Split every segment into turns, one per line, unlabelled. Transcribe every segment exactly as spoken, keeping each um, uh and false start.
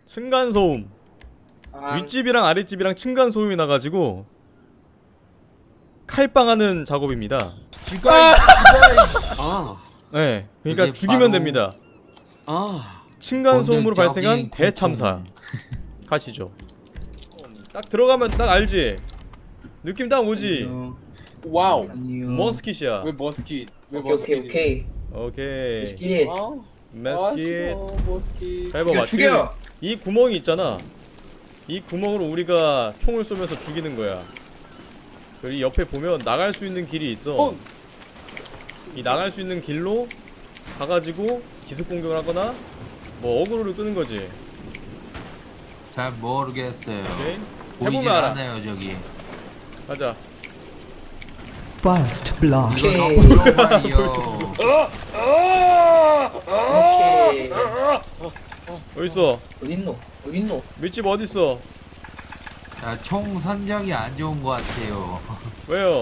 층간소음.
아,
윗집이랑 아랫집이랑 층간소음이 나가지고 칼빵하는 작업입니다.
죽어.
아,
네, 그러니까
그게
죽이면
바로-
됩니다.
아,
층간소음으로
본격적인
발생한 대참사. 가시죠. 딱 들어가면 딱 알지? 느낌 딱 오지?
와우.
아니요.
머스킷이야.
왜 머스킷? 왜
오케이
머스킷?
오케이 오케이.
오케이.
스킬.
아,
머스킷.
머스킷.
잘 봐봐.
죽여.
지금 이 구멍이 있잖아. 이 구멍으로 우리가 총을 쏘면서 죽이는 거야. 여기 옆에 보면 나갈 수 있는 길이 있어.
어.
이 나갈 수 있는 길로 가가지고 기습 공격을 하거나 뭐 어그로를 끄는 거지.
잘 모르겠어요.
오케이?
보이질
해보면 알아.
않아요 저기.
가자.
First blood.
이거
오케이.
너무 좋아요.
오케이.
어딨어?
어딨노? 어딨노?
밑집 어딨어?
야, 총 선정이 안 좋은 것 같아요.
왜요?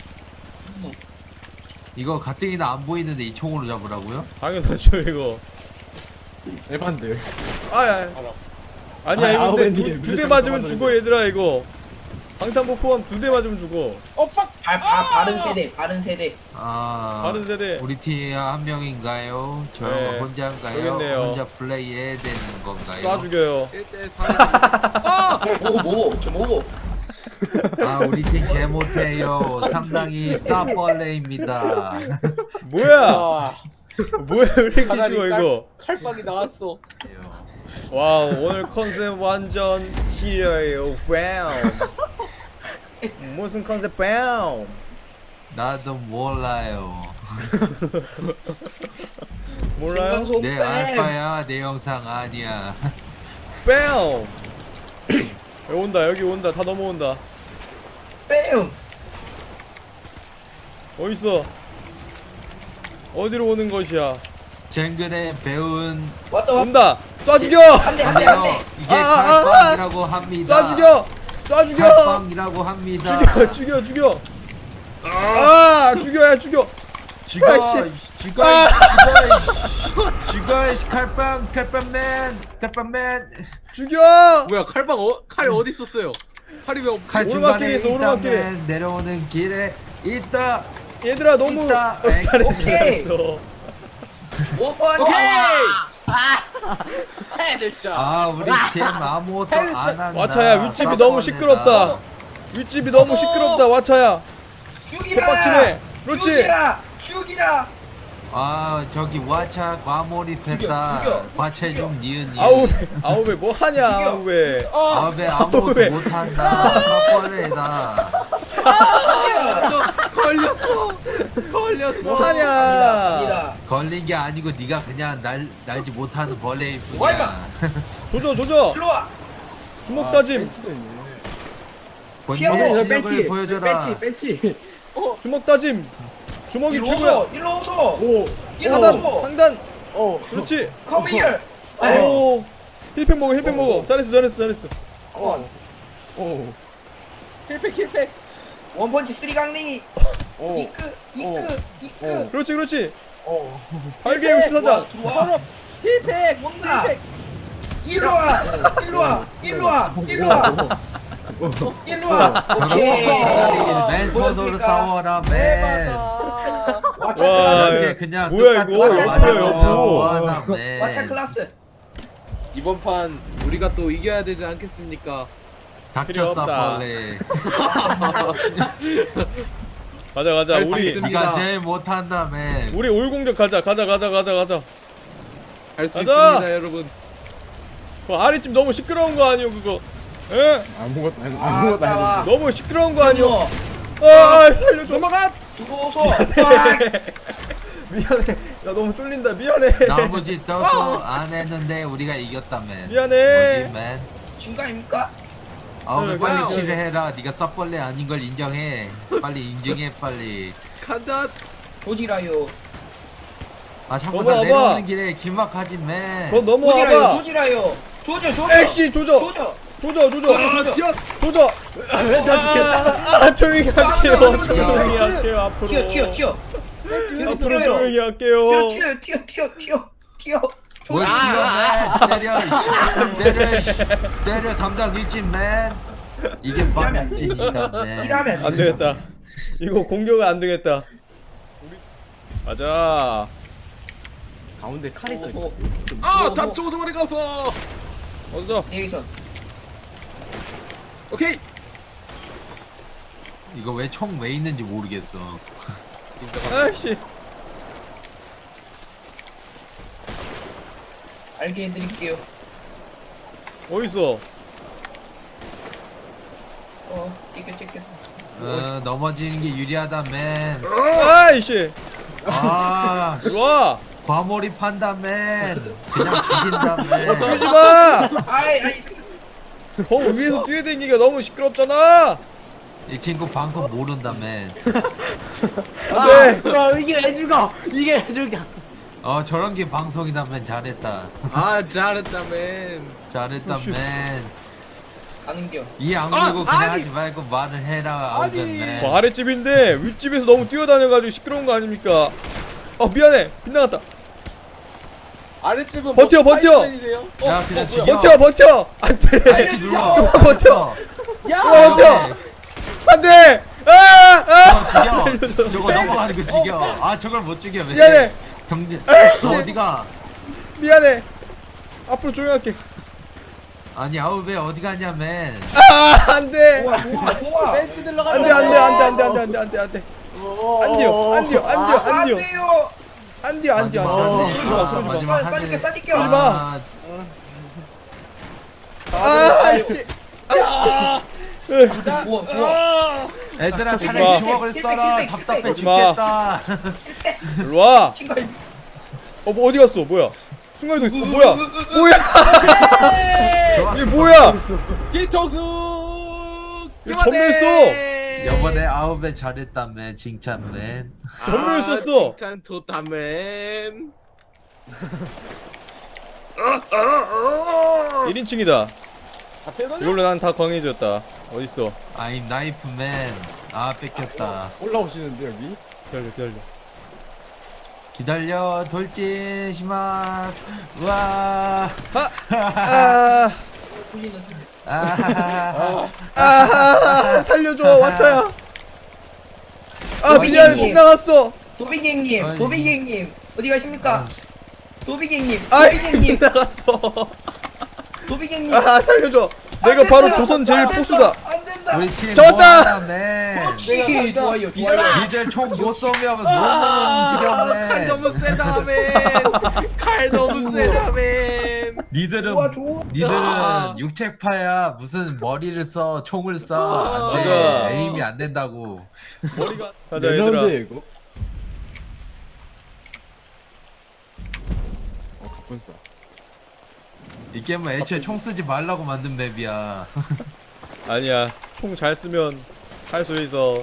이거 가뜩이나 안 보이는데 이 총으로 잡으라고요?
당연하죠 이거.
에반데.
아야. 아니야
아,
이거
아우,
근데
왠지
두, 두 대
무조건
맞으면
맞아야
죽어
돼.
얘들아 이거. 방탄복 포함 두 대 맞으면 죽어.
어, 빡.
바, 바, 바른 세대 바른 세대.
아,
다른 세대.
우리 팀 한 명인가요? 저
네,
혼자인가요?
여기 있네요.
혼자 플레이해야 되는 건가요?
쏴 죽여요.
일 대 사.
뭐고 뭐고 저 뭐고?
아, 우리 팀 개 못해요. 상당히 싸벌레입니다.
뭐야?
아,
뭐야 왜 이렇게
사다리
쉬워
깔-
이거?
칼빵이 나왔어.
와우 오늘 컨셉 완전 시려요. 와우. 무슨 컨셉 와우?
나도 몰라요.
몰라요?
중간소음
내
뺨.
알바야, 내 영상 아니야.
와우. 여기 온다 여기 온다 다 넘어온다.
뺨.
어딨어? 어디로 오는 것이야?
쟁근에 배운
왔다 왔다.
온다. 쏴 죽여.
한대 한 대 한
아니요,
대.
이게
아, 아, 아,
칼빵이라고 합니다.
쏴 죽여. 쏴 죽여.
칼빵이라고 합니다.
죽여 죽여 죽여. 아 죽여야 죽여.
죽어,
아이씨.
죽어,
아.
죽어, 죽어, 이 칼빵, 칼빵맨, 칼빵맨.
죽여.
뭐야, 칼빵 어, 칼 어디 있었어요? 칼이 왜 없지?
칼
오르막길에
중간에
있어, 오르막길에.
있다면 내려오는 길에 있다.
얘들아 너무
있다.
어, 잘했어
오케이.
잘했어.
오번
오케이.
헤드샷.
아, 우리 팀 아무것도 안 한다.
와차야 윗집이 너무 시끄럽다. 윗집이 너무 시끄럽다 와차야.
죽이라.
개빡치네. 그렇지.
죽이라. 죽이라.
아, 저기 와차 과몰입했다.
죽여, 죽여.
과체 좀 니은 니은.
아우베 아우베 뭐 하냐
죽여.
아우베.
아, 왜 아무것도
왜?
못한다. 사퍼레다.
걸렸어. 걸렸어.
뭐 하냐.
갑니다.
걸린 게 아니고 네가 그냥 날 날지 못하는 벌레일
와,
뿐이야.
조져 조져.
일로 와.
주먹 다짐.
본인의
저
실력을 보여줘라.
벤치. 어,
주먹 다짐. 주먹이
일로
최고야.
오소. 일로 오소.
오,
일로
하단
오소.
상단.
어,
그렇지.
Come here.
오. 힐팩 먹어 힐팩 먹어. 잘했어 잘했어 잘했어.
원.
오. 킬팩, 킬팩.
원펀치 쓰리 강냉이.
오,
이끄 이끄 이끄.
어.
그렇지 그렇지.
오.
발개 육십사장.
들어와.
킬팩,
뭔가.
킬팩.
일로 와. 일로 와. 일로 와. 일로 와. 일로 와. 오케이.
차라리 맨손으로 싸워라 맨.
와차
와,
클라스.
이렇게 그냥
뭐야,
뚝딱
이거?
맞아서
옆으로, 옆으로.
뭐하나 맨.
와차 클라스.
이번 판 우리가 또 이겨야 되지 않겠습니까?
필요
닥쳤어
없다.
벌레.
가자 가자
할수
우리
있습니다.
네가 제일 못한다 맨.
우리 올공격 가자 가자 가자 가자 가자.
할 수
가자!
있습니다, 여러분.
그 아랫집 너무 시끄러운 거 아니오 그거? 에?
아무것도 안
아, 따와.
너무 시끄러운 거 아니오?
넘어.
아, 아 살려줘.
넘어가.
들어오소.
미안해. 나 너무 쫄린다. 미안해.
나머지 또또 안 했는데 우리가 이겼다 맨.
미안해.
뭐지 맨?
중간입니까?
아왜
네,
빨리
그냥-
킬을 해라. 네가 썩벌레 아닌 걸 인정해. 빨리 인증해 빨리.
간다.
조지라요.
아 자꾸
넘어와봐.
나 내려오는 길에 길막하지 맨.
너
조지라요.
넘어와봐.
조지라요. 조져 조져.
엑시 조져.
조져.
조져 조져.
조져.
튀어.
조져. 아, 아, 아 조용히 할게요. 조용히 할게요. 앞으로.
튀어 튀어 튀어.
앞으로
튀어요.
조용히 할게요.
튀어 튀어 튀어 튀어 튀어.
뭘
아,
지어 맨 때려 이씨. 때려 이씨. 때려 담당 일진 맨 이게 방 일진이다 맨
이러면
안 되겠다. 이거 공격은 안 되겠다. 우리 가자.
가운데 칼이 떠 있어.
아, 닭 조종원에 가서.
어서.
여기서
오케이.
이거 왜 총 왜 있는지 모르겠어.
아이씨.
알게 해드릴게요.
어딨어?
어 찍겨 찍겨.
어 넘어지는 게 유리하다 맨.
아이씨.
아
일로와.
과몰입한다 맨. 그냥 죽인다 맨.
뛰지마.
아이 아이
거 위에서 뛰어다니기가 너무 시끄럽잖아.
이 친구 방송 모른다 맨.
안돼.
아, 이게 왜 죽어? 이게 왜 죽어?
어 저런 게 방송이다 맨. 잘했다.
아, 잘했다, 맨.
잘했다
오, 쉣.
맨.
가는겨.
이 악물고
아,
그냥
아니.
하지 말고 말을 해라
아니.
아우벤 맨.
저 아랫집인데 윗집에서 너무 뛰어다녀가지고 시끄러운 거 아닙니까? 어 미안해. 빗나갔다.
아랫집은
버텨,
뭐
버텨.
파이프라인이세요? 어,
야, 그냥
어,
죽여.
뭐야?
버텨 버텨. 안돼.
알지 눌러.
버텨.
버텨.
야!
어, 버텨. 안돼. 아 아.
어, 죽여. 저거 넘어가는 거 죽여. 아 저걸 못 죽여. 왜?
미안해.
경제.
아이씨.
너 어디가?
미안해. 앞으로 조용할게.
아니 아우베 어디 가냐 맨.
아 안돼.
좋아 좋아 좋아.
벤치 들러가.
안돼 안돼 안돼 안돼 안돼 안돼 안돼 안돼. 안돼요 안돼요 안돼요
아, 안
안돼요
돼요.
안돼요 안돼요
마지막
안돼요.
하네.
그러지 마
아,
그러지 마.
마지막
쏴-
하네.
쏴줄게 쏴줄게.
하지 마.
아,
아 아이씨.
좋아 좋아.
애들아
마.
차라리 주먹을 써라.
힐백, 힐백,
답답해
힐백.
죽겠다.
일로 와.
친구.
어 뭐 어디 갔어? 뭐야? 순간이동 있어. 어, 뭐야? 뭐야?
좋았어.
이게 뭐야?
뒤통수.
이거 전멸 써.
이번에 아우베 잘했다 맨. 칭찬 맨.
전멸 썼어.
아, 칭찬 좋다, 맨.
일 인칭이다.
앞에 서
이걸로 난 다 광해졌다. 어딨어?
아임 나이프 맨. 아 뺏겼다.
올라오시는데 여기?
기다려 기다려.
기다려 돌진 시마스. 우와.
아,
보이는 소리.
아하하하.
아, 살려줘 와차야. 아
어,
미안
미안해.
나갔어.
도비갱님
아니.
도비갱님 어디 가십니까? 도비갱님
아
도비갱님
나갔어.
도비갱님.
아 살려줘. 내가 바로 조선 제일 포수다.
안 된다.
우리 팀
졌다!
뭐하냐 맨.
역시 좋아요 좋아요.
니들 총 못 쏘면 너무 움직여
칼
맨.
너무 세다, 맨. 칼 너무 세다, 맨.
니들은
좋아 좋아.
니들은 육체파야. 무슨 머리를 써 총을 쏴. 안돼.
맞아.
에임이 안 된다고.
머리가. 가자
몇
얘들아.
라운드야 이거? 어 가뿐싸.
이 게임은 애초에 총 쓰지 말라고 만든 맵이야.
아니야. 총 잘 쓰면 할 수 있어.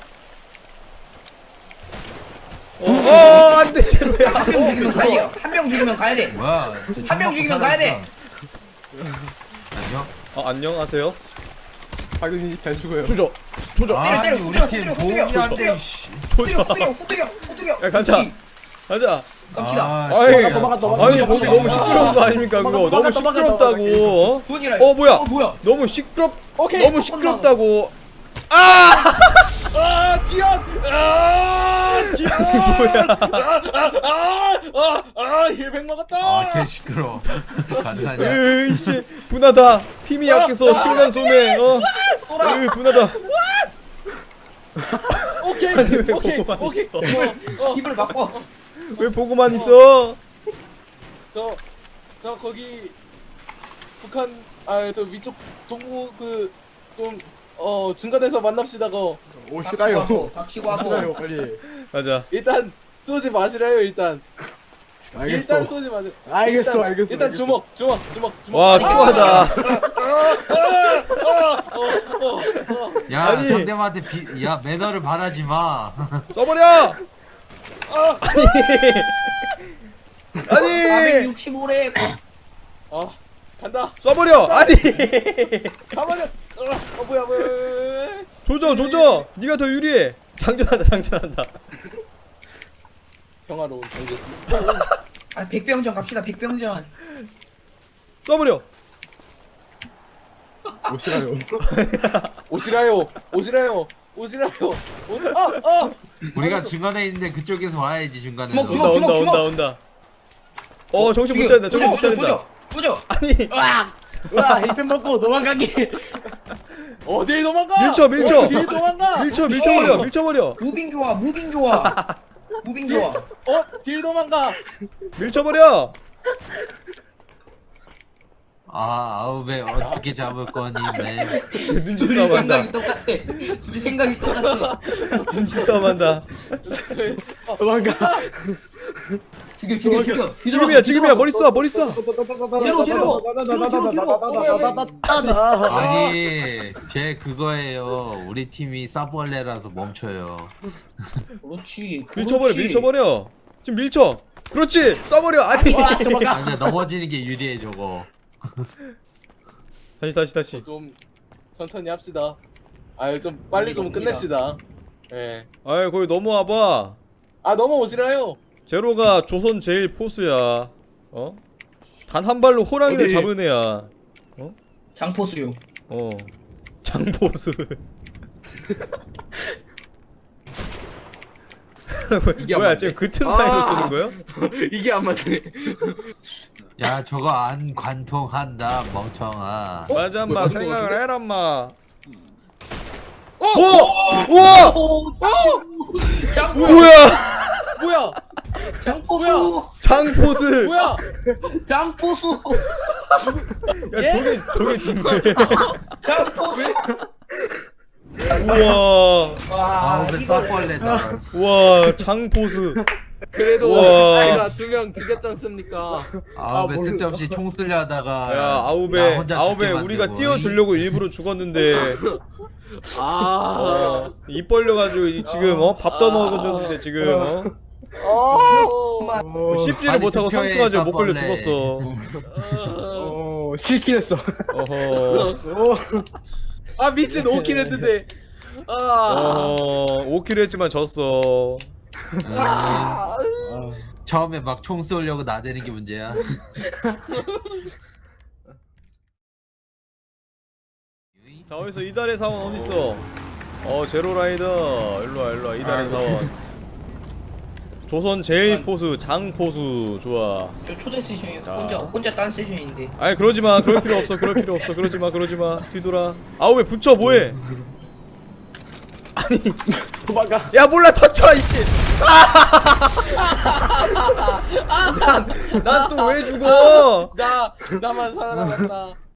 어, 어, 안 돼, 제로야.
한 명 죽이면 가야 돼요. 한 명 죽이면 가야 돼.
뭐야? 저
한명
총
죽이면
먹고
가야 돼.
살아있어. 안녕.
어, 안녕하세요.
박윤이 잘 죽어요.
조져, 조져.
아니
때려,
우리
때려,
팀
때려,
도움이
때려,
안 돼.
때려.
씨.
후드려
조져.
후드려 후드려 후드려.
야, 가자. 가자.
갑시다.
아,
아이,
진짜.
도망가, 도망가.
아니, 거기 너무 시끄러운 거 아닙니까, 그거?
도망가,
너무
도망가,
시끄럽다고, 어?
돈이라.
어, 뭐야?
어 뭐야?
너무 시끄럽,
오케이.
너무 시끄럽다고. 아!
아, 지연! 아, 지연!
뭐야?
아, 아, 아, 아, 아, 힐백 먹었다!
아, 개 시끄러. 간다냐?
으이씨, 분하다. 힘이 약해서 층간 소매, 어? 으, 분하다.
오케이,
아니, 왜
오케이,
보고만
오케이.
있어?
어, 어,
입을 바꿔.
왜 보고만 있어?
저, 저 거기 북한, 아, 저 위쪽 동부 그 좀 어 중간에서 만납시다. 거
오시라요.
닥치고 닥치고
오시라요
하고.
빨리.
가자.
일단 쏘지 마시라요. 일단 일단
알겠어.
쏘지 마세요.
알겠어,
일단,
알겠어,
일단
알겠어.
주먹, 주먹, 주먹, 주먹.
와,
아,
추하다.
아, 어, 어, 어.
야,
아니.
상대방한테 비, 야 매너를 바라지 마.
써버려! 아니! 아니!
사백육십오래.
어, 간다.
써버려! 아니!
가만히. 어, 어 뭐야, 뭐야, 뭐야.
조져, 조져! 네가 더 유리해. 장전한다, 장전한다.
평화로운 경제지.
아 백병전 갑시다 백병전.
쏴버려.
오시라요.
오시라요 오시라요 오시라요 오, 어! 어!
우리가 중간에 있는데 그쪽에서 와야지 중간에.
주먹,
온다
주먹,
온다
주먹.
온다 온다. 어 정신 못 차린다. 정신 못 차린다.
부져.
아니
와 힐펜 먹고 도망가기.
어딜 도망가
밀쳐, 밀쳐.
어딜 도망가
밀쳐 밀쳐버려 밀쳐버려
무빙 좋아 무빙 좋아. 무빙 좋아.
어? 딜 도망가
밀쳐버려.
아 아우베 어떻게 잡을 거니 맨.
눈치 싸움한다.
똑같아. 우리 생각이 똑같아.
눈치 싸움한다.
도망가.
죽여 죽여 죽여.
지금이야 지금이야 머리 쏴 머리 쏴.
뒤로 뒤로.
아니 제 그거예요. 우리 팀이 사벌레라서 멈춰요.
그렇지.
밀쳐버려
그렇지.
밀쳐버려. 지금 밀쳐. 그렇지 쏴버려. 아니.
와 도망가.
아, 근데 넘어지는 게 유리해 저거.
다시 다시 다시.
좀 천천히 합시다 아유 좀 빨리 좀
옵니다.
끝냅시다 예.
아이 거기 넘어와봐.
아 넘어오시라요
제로가 조선 제일 포수야. 어? 단 한 발로 호랑이를
어디?
잡은 애야.
장포수요.
어. 장포수.
이게 안
뭐야
맞네.
지금 그 틈 사이로
아.
쓰는 거야?
이게 안 맞네.
야 저거 안 관통한다 멍청아.
맞아 마
뭐야,
생각을
뭐야,
해라 마.
어!
오! 우와!
장포.
뭐야?
뭐야
장포수.
장포수.
뭐야
장포수.
야 저게 저게 죽네.
장포수.
우와.
와.
아우베
이거를-
사벌레다.
우와 장포수.
그래도
우와.
제가 두 명 죽였지 않습니까
아우베
아,
쓸데없이 총 쓰려 하다가
야
나
아우베
혼자
아우베
죽게
우리가
만들고.
띄워주려고 일부러 죽었는데
아
어, 입 벌려가지고 이- 지금 어 밥도 먹어줬는데 지금 어
어,
씹지를
빨리
못하고
투표해,
상투가지고 못 걸려
사벌레.
죽었어.
어, 싫긴 했어.
어허
아 미친 오킬 했는데 아
어허 오 킬 했지만 졌어.
음, 처음에 막 총 쏘려고 나대는 게 문제야.
자 어디서 이달의 사원 어딨어? 어 제로라이더 일로와 일로와 이달의 사원. 조선 제일 포수 장포수 좋아.
저 초대 세션에서
자.
혼자 혼자 딴 세션인데.
아니 그러지마 그럴 필요 없어 그럴 필요 없어 그러지마 그러지마 뒤돌아. 아우 왜 붙여 뭐해? 아니
도망가.
야 몰라 터쳐 이씨. 난난 또 왜 죽어?
나 나만 살아남았다